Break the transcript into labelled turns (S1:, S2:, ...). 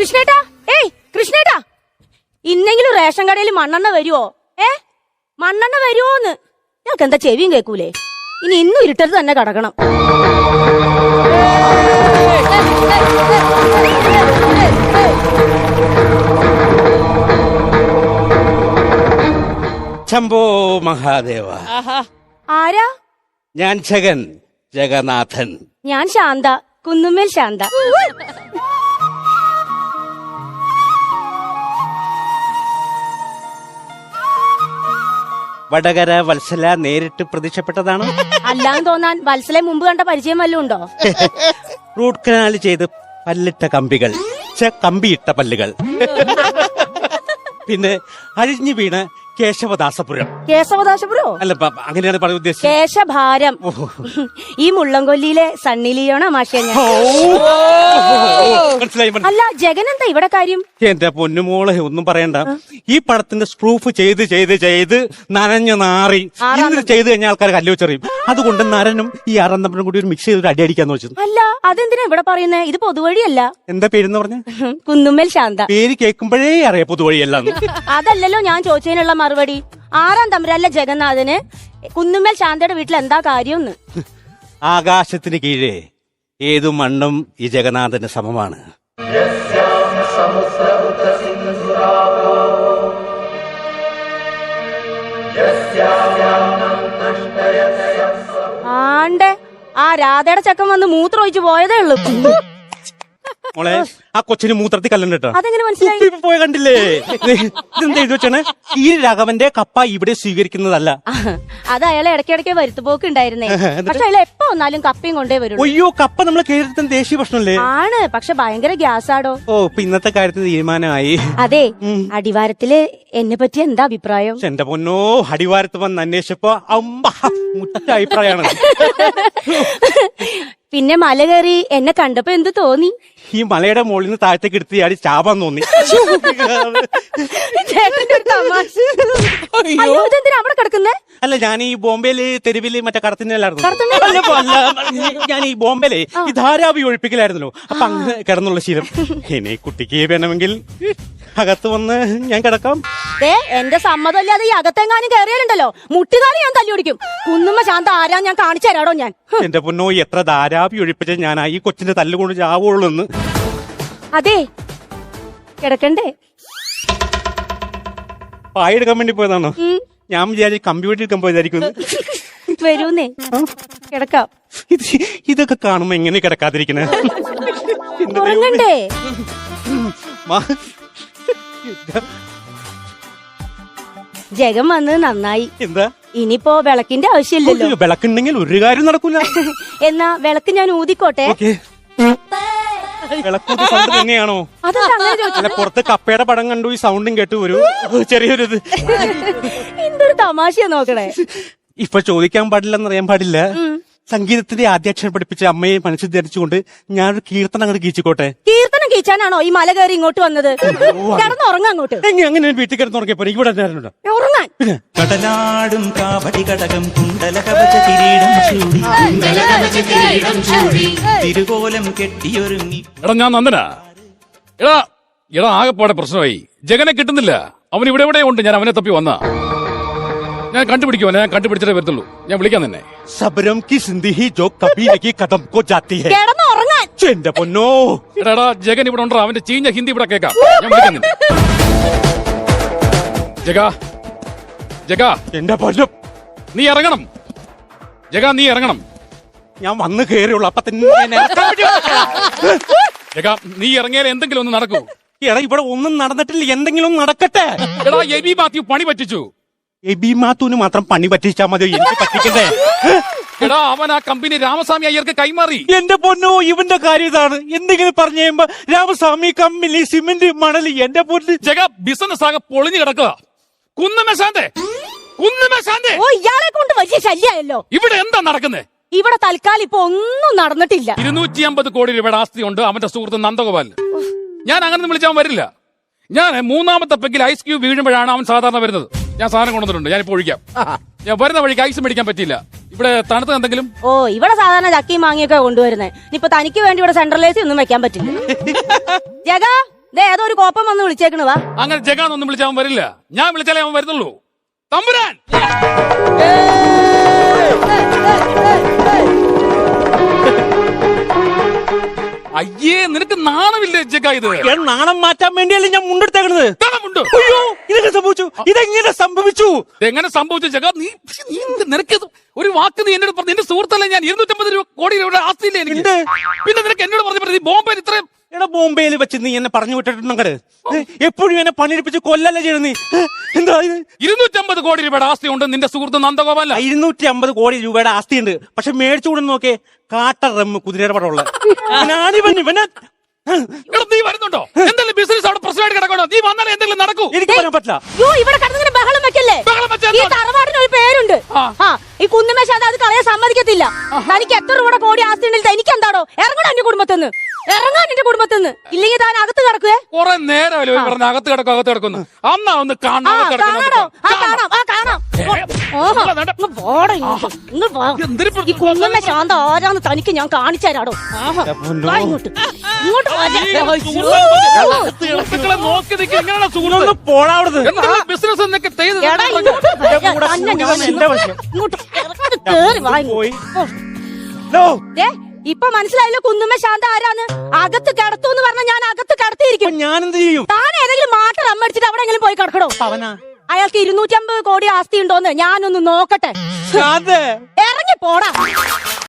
S1: കൃഷ്ണേട്ടാ, ഏയ് കൃഷ്ണേട്ടാ, ഇന്നെങ്കിലും റേഷൻ കടയിൽ മണ്ണെണ്ണ വരുവോ? മണ്ണെണ്ണ വരുവോന്ന്? ഞങ്ങൾക്ക് എന്താ ചെവിയും കേൾക്കൂലേ? ഇനി ഇന്നും ഇരുട്ടത്ത് തന്നെ കിടക്കണം.
S2: ശംഭോ മഹാദേവ.
S1: ആരാ?
S2: ഞാൻ ജഗന്നാഥൻ.
S1: ഞാൻ ശാന്ത, കുന്നുമ്മേൽ ശാന്ത.
S2: വടകര വത്സല നേരിട്ട് പ്രത്യക്ഷപ്പെട്ടതാണ്.
S1: അല്ലാന്ന് തോന്നാൻ വത്സലെ മുമ്പ് കണ്ട പരിചയം വല്ലതും ഉണ്ടോ?
S2: റൂട്ട് കനാൽ ചെയ്ത് പല്ലിട്ട കമ്പികൾ, കമ്പിയിട്ട പല്ലുകൾ. പിന്നെ അഴിഞ്ഞു വീണ കേശവദാസപുരം.
S1: കേശവദാസപുരോ?
S2: അല്ല, അങ്ങനെയാണ് പറയാൻ ഉദ്ദേശിച്ചത്.
S1: കേശഭാരം. ഈ മുള്ളംകൊല്ലിയിലെ സണ്ണി ലിയോണ മാഷിയ ഞാൻ.
S2: മനസ്സിലായി.
S1: അല്ല, ജഗൻ എന്താ ഇവിടെ കാര്യം?
S2: എന്റെ പൊന്നുമോളെ ഒന്നും പറയണ്ട. ഈ പടത്തിന്റെ സ്പ്രൂഫ് ചെയ്ത് നനഞ്ഞു നാറി ഇന്ന് ചെയ്ത് കഴിഞ്ഞാൽ ആൾക്കാർ കല്ലുവെച്ചറിയും. അതുകൊണ്ട് നരനും ഈ ആറാന്തപ്പനും കൂടി ഒരു മിക്സ് ചെയ്തിട്ട് അടിക്കാന്ന് വെച്ചത്.
S1: അല്ല, അതെന്തിനാ ഇവിടെ പറയുന്നേ? ഇത് പൊതുവഴിയല്ല.
S2: എന്താ പേരെന്ന് പറഞ്ഞ?
S1: കുന്നുമ്മേൽ ശാന്ത.
S2: പേര് കേൾക്കുമ്പോഴേ അറിയാം പൊതുവഴിയല്ല.
S1: അതല്ലല്ലോ ഞാൻ ചോദിച്ചതിനുള്ള മറുപടി. ആറാം തമ്പുരാല്ല ജഗന്നാഥന് കുന്നുമ്മേൽ ശാന്തയുടെ വീട്ടിൽ എന്താ കാര്യമെന്ന്?
S2: ആകാശത്തിന് കീഴേ ഏതു മണ്ണും ഈ ജഗന്നാഥന് സമമാണ്.
S1: ആണ്ടെ, ആ രാധയുടെ ചക്കൻ വന്ന് മൂത്രം ഒഴിച്ചു പോയതേ ഉള്ളൂ.
S2: മോളെ, ആ കൊച്ചിന് മൂത്രത്തിൽ കല്ലണ്ട കേട്ടോ.
S1: അതെങ്ങനെ മനസ്സിലായി?
S2: പോയ കണ്ടില്ലേ? ഇതെന്താ എഴുതി വെച്ചാണ്? ഈ രാഘവന്റെ കപ്പ ഇവിടെ സ്വീകരിക്കുന്നതല്ല.
S1: അത് അയാളെ ഇടയ്ക്കിടയ്ക്ക് വരുത്തുപോക്ക് ഉണ്ടായിരുന്നേ. പക്ഷെ അയാൾ എപ്പോ വന്നാലും കപ്പയും കൊണ്ടേ വരും.
S2: അയ്യോ, കപ്പ നമ്മളെ കേരളത്തിന് ദേശീയ ഭക്ഷണല്ലേ?
S1: ആണ്, പക്ഷെ ഭയങ്കര ഗ്യാസാടോ.
S2: ഓ, ഇപ്പൊ ഇന്നത്തെ കാര്യത്തിന് തീരുമാനമായി.
S1: അതെ, അടിവാരത്തില് എന്നെ പറ്റി എന്താ അഭിപ്രായം?
S2: എന്റെ പൊന്നോ, അടിവാരത്ത് വന്ന് അന്വേഷിച്ചപ്പോ മുറ്റ അഭിപ്രായമാണ്.
S1: പിന്നെ മല കയറി എന്നെ കണ്ടപ്പോ എന്ത് തോന്നി?
S2: ഈ മലയുടെ മുകളിൽ നിന്ന് താഴത്തേക്ക് എടുത്ത് ചാടി ചാപാൻ തോന്നി.
S1: ചേട്ടന്റെ ഒരു തമാശ. അയ്യോ, ഇതെന്തിനാ അവിടെ കിടക്കുന്നേ?
S2: അല്ല, ഞാൻ ഈ ബോംബെയില് തെരുവില് മറ്റേ കടത്തിനായിരുന്നു. ഞാൻ ഈ ബോംബെയിലെ ഈ ധാരാവി ഒഴിപ്പിക്കലായിരുന്നല്ലോ. അപ്പൊ അങ്ങ് കിടന്നുള്ള ശീലം. ഇനി കുട്ടിക്ക് വേണമെങ്കിൽ അകത്ത് വന്ന് ഞാൻ കിടക്കാം.
S1: എന്റെ സമ്മതമില്ലാതെ ഈ അകത്തെങ്ങാനും കയറിയാലുണ്ടല്ലോ മുട്ടുകാലി ഞാൻ തല്ലി ഓടിക്കും. കുന്നുമ്മ ശാന്ത ആരാ ഞാൻ കാണിച്ചു തരാടോ ഞാൻ.
S2: എന്റെ പൊന്നോ, എത്ര ധാരാവി ഒഴിപ്പിച്ച ഞാൻ ഈ കൊച്ചിന്റെ തല്ലുകൊണ്ട് ചാവുള്ളൂ എന്ന്.
S1: അതെ, കിടക്കണ്ടേ?
S2: പായെടുക്കാൻ വേണ്ടി പോയതാണോ? ഞാൻ വിചാരിച്ചു കമ്പ്യൂട്ടർ എടുക്കാൻ പോയതായിരിക്കും.
S1: വരൂന്നേ, കിടക്കാം.
S2: ഇതൊക്കെ കാണുമ്പോ എങ്ങനെ കിടക്കാതിരിക്കണേ?
S1: ഉറങ്ങണ്ടേ? ജഗം വന്നത് നന്നായി.
S2: എന്താ?
S1: ഇനിയിപ്പോ വിളക്കിന്റെ ആവശ്യമില്ലല്ലോ.
S2: വിളക്കുണ്ടെങ്കിൽ ഒരു കാര്യം നടക്കൂല.
S1: എന്നാ വിളക്ക് ഞാൻ ഊതിക്കോട്ടെ.
S2: വിളക്കൂതി സൗണ്ട് തന്നെയാണോ?
S1: അല്ല,
S2: പുറത്ത് കപ്പയുടെ പടം കണ്ടു, ഈ സൗണ്ടും കേട്ടു ഒരു ചെറിയൊരു ഇത്.
S1: എന്തൊരു തമാശയാ നോക്കണേ.
S2: ഇപ്പൊ ചോദിക്കാൻ പാടില്ലെന്നറിയാൻ പാടില്ല. സംഗീതത്തിന്റെ ആദ്യാക്ഷരം പഠിപ്പിച്ച അമ്മയെ മനസ്സിൽ ധരിച്ചുകൊണ്ട് ഞാനൊരു കീർത്തനം അങ്ങോട്ട് കീച്ചിക്കോട്ടെ.
S1: കീർത്തനം കീച്ചാനാണോ ഈ മല കയറി ഇങ്ങോട്ട് വന്നത്? കിടന്നുറങ്ങാൻ അങ്ങോട്ട്.
S2: അങ്ങനെ വീട്ടിൽ കിടന്നുറങ്ങിയപ്പോ ഇവിടെ
S1: ഉറങ്ങാൻ.
S3: കടലാടും കാവടി കടകം കുണ്ടല കവച കിരീടം ചൂടി തിരുകോലം കെട്ടിയൊരുങ്ങി.
S4: എടാ, ഞാൻ നന്ദനാ. എടാ ആകെപ്പാടെ പ്രശ്നമായി. ജഗനെ കിട്ടുന്നില്ല. അവൻ ഇവിടെ എവിടെ ഉണ്ട്. ഞാൻ അവനെ തപ്പി വന്നാ. ഞാൻ കണ്ടുപിടിക്കുവാ. ഞാൻ കണ്ടുപിടിച്ചിട്ടേ വരത്തുള്ളൂ. ഞാൻ വിളിക്കാൻ തന്നെ.
S2: സബരം കി സിന്ദി ജോ കബി നഹീ ഖതം കോ ജാത്തി ഹൈ.
S1: കിടന്നുറങ്ങാൻ.
S2: എന്റെ പൊന്നോ.
S4: എടാ, ജഗൻ ഇവിടെ ഉണ്ടോ? അവന്റെ ചീഞ്ഞ ഹിന്ദി ഇവിടെ കേൾക്കാം. ഞാൻ വിളിക്കാൻ തന്നെ. ജഗ,
S2: എന്റെ പൊന്നും,
S4: നീ ഇറങ്ങണം. ജഗ, നീ ഇറങ്ങണം.
S2: ഞാൻ വന്ന് കയറിയുള്ളൂ. അപ്പൊ തന്നെ
S4: ജഗ, നീ ഇറങ്ങിയാൽ എന്തെങ്കിലും ഒന്ന് നടക്കൂ.
S2: എടാ, ഇവിടെ ഒന്നും നടന്നിട്ടില്ല. എന്തെങ്കിലും നടക്കട്ടെ.
S4: എടാ, എബി മാത്യു പണി പറ്റിച്ചു.
S2: എബി മാത്തുവിന് മാത്രം പണി പറ്റിച്ചാ മതി, എനിക്ക് പറ്റിക്കണ്ടേ?
S4: എടാ, അവൻ ആ കമ്പനി രാമസ്വാമി അയ്യർക്ക് കൈമാറി.
S2: എന്റെ പൊന്നോ, ഇവന്റെ കാര്യം ഇതാണ്. എന്തെങ്കിലും പറഞ്ഞു കഴിയുമ്പോ രാമസ്വാമി കമ്പനി സിമന്റ് മണല്. എന്റെ പൊന്ന്
S4: ജഗ, ബിസിനസ് ആകെ പൊളിഞ്ഞു കിടക്കുക. കുന്നുമശാന്തേ.
S1: ഓ, ഇയാളെ കൊണ്ട് വലിയ ശല്യായല്ലോ.
S4: ഇവിടെ എന്താ നടക്കുന്നത്?
S1: ഇവിടെ തൽക്കാലം ഇപ്പൊ ഒന്നും നടന്നിട്ടില്ല.
S4: 250 കോടി രൂപയുടെ ആസ്തിയുണ്ട് അവന്റെ സുഹൃത്ത് നന്ദഗോപാൽ. ഞാൻ അങ്ങനെ വിളിച്ചാൽ വരില്ല. ഞാൻ 3ാമത്തെ പെഗ്ഗിൽ ഐസ് ക്യൂബ് വീഴുമ്പോഴാണ് അവൻ സാധാരണ വരുന്നത്. ഞാൻ സാധനം കൊണ്ടുവന്നിട്ടുണ്ട്. ഞാനിപ്പോ ഒഴിക്കാം. ഞാൻ വരുന്ന വഴിക്ക് ഐസ് മേടിക്കാൻ പറ്റിയില്ല. ഇവിടെ തണുത്ത എന്തെങ്കിലും.
S1: ഓ, ഇവിടെ സാധാരണ ചക്കയും മാങ്ങിയൊക്കെ കൊണ്ടുവരുന്നത്. ഇനിയിപ്പൊ തനിക്ക് വേണ്ടി ഇവിടെ സെൻട്രൽ എ സി ഒന്നും വെക്കാൻ പറ്റില്ല. ജഗ, ദേ ഏതോ ഒരു കോപ്പം വന്ന് വിളിച്ചേക്കണു വാ.
S4: അങ്ങനെ ജഗാന്നൊന്നും വിളിച്ചാൽ അവൻ വരില്ല. ഞാൻ വിളിച്ചാലേ അവൻ വരുന്നുള്ളൂ. തമ്പുരാൻ, അയ്യേ നിനക്ക് നാണമില്ലേ ജഗ? ഇത്
S2: നാണം മാറ്റാൻ വേണ്ടിയല്ലേ ഞാൻ മുണ്ടെടുത്തേക്കണത്.
S4: നാണമുണ്ട്.
S2: അയ്യോ ഇതൊക്കെ സംഭവിച്ചു. ഇതെങ്ങനെ സംഭവിച്ചു?
S4: എങ്ങനെ സംഭവിച്ചു ജഗ? നീ നിനക്ക് ഒരു വാക്ക് നീ എന്നോട് പറഞ്ഞു. എന്റെ സുഹൃത്തല്ലേ ഞാൻ. 250 കോടി രൂപയുടെ ആസ്തിയില്ലേ എനിക്ക്? പിന്നെ നിനക്ക് എന്നോട് പറഞ്ഞു നീ ബോംബെയിൽ ഇത്രയും
S2: എടാ ബോംബെയിൽ വെച്ച് നീ എന്നെ പറഞ്ഞു വിട്ടിട്ടുണ്ടെങ്കിൽ എപ്പോഴും എന്നെ പണിയെടുപ്പിച്ച് കൊല്ലല്ലേ ചെയ്യണം നീ. എന്താ ഇത്?
S4: 250 കോടി രൂപയുടെ ആസ്തി ഉണ്ട് നിന്റെ സുഹൃത്ത് നന്ദഗോപാല.
S2: 250 കോടി രൂപയുടെ ആസ്തിയുണ്ട്. പക്ഷെ മേടിച്ചു കൂടെ നോക്കേ കാട്ട റമ്മ് കുതിരയുടെ പടമുള്ള ഞാനിവനെ.
S4: എടാ നീ വരുന്നുണ്ടോ? എന്തെങ്കിലും ബിസിനസ് അവിടെ പ്രശ്നമായിട്ട് കിടക്കണോ? നീ വന്നാലേ എന്തെങ്കിലും നടക്കൂ.
S2: എനിക്ക് പറയാൻ പറ്റില്ല.
S1: യോ ഇവിടെ കിടന്നിങ്ങനെ ബഹളം വെക്കല്ലേ.
S4: ബഹളം വെച്ചാൽ
S1: ഈ തറവാടിന് ഒരു പേരുണ്ട്. ഈ കുന്നുമേശാന്ത അത് കളയാൻ സമ്മതിക്കത്തില്ല. തനിക്ക് എത്ര രൂപയുടെ കോടി ആസ്തി ഉണ്ടെങ്കിൽ എനിക്ക് എന്താണോ? ഇറങ്ങണം എന്റെ കുടുംബത്തിന്ന്. ഇറങ്ങാൻ എന്റെ കുടുംബത്തിന്ന്. ഇല്ലെങ്കിൽ താൻ അകത്ത് കിടക്കുവേ.
S4: കുറെ നേരമല്ലോ പറഞ്ഞ അകത്ത് കിടക്കുന്നു. അന്നാ ഒന്ന് കാണാം.
S1: കാണാം. ഓഹോ ഇങ്ങ് പോടാ ഇങ്ങോട്ട്. ഇങ്ങ് പോ. ഈ കുന്നുമേശാന്ത ആരാന്ന് തനിക്ക് ഞാൻ കാണിച്ചു തരാടോ. വാ ഇങ്ങോട്ട്. ഇങ്ങോട്ട് വാ.
S4: സുഹൃത്തുക്കളെ നോക്കി നിൽക്കുക. എങ്ങനെയാണ് സുഹൃത്ത്?
S2: പോടാവരുത്.
S4: ബിസിനസ് എന്നൊക്കെ ചെയ്ത്
S1: എടാ ഇങ്ങോട്ട് തന്നെ ഞാൻ ഇങ്ങോട്ട് കേറി വാ ഇങ്ങോട്ട്. ദേ, ഇപ്പൊ മനസ്സിലായല്ലോ കുന്നുമ്മ ശാന്ത ആരാന്ന്. അകത്ത് കിടത്തൂന്ന് പറഞ്ഞ ഞാൻ അകത്ത് കിടത്തിയിരിക്കും.
S2: ഞാൻ എന്ത് ചെയ്യും?
S1: താൻ ഏതെങ്കിലും മാട്ടർ അമ്മടിച്ചിട്ട് അവിടെ എങ്കിലും പോയി കിടക്കണോ? അയാൾക്ക് 250 കോടി ആസ്തി ഉണ്ടോന്ന് ഞാനൊന്ന് നോക്കട്ടെ. ഇറങ്ങി പോടാ.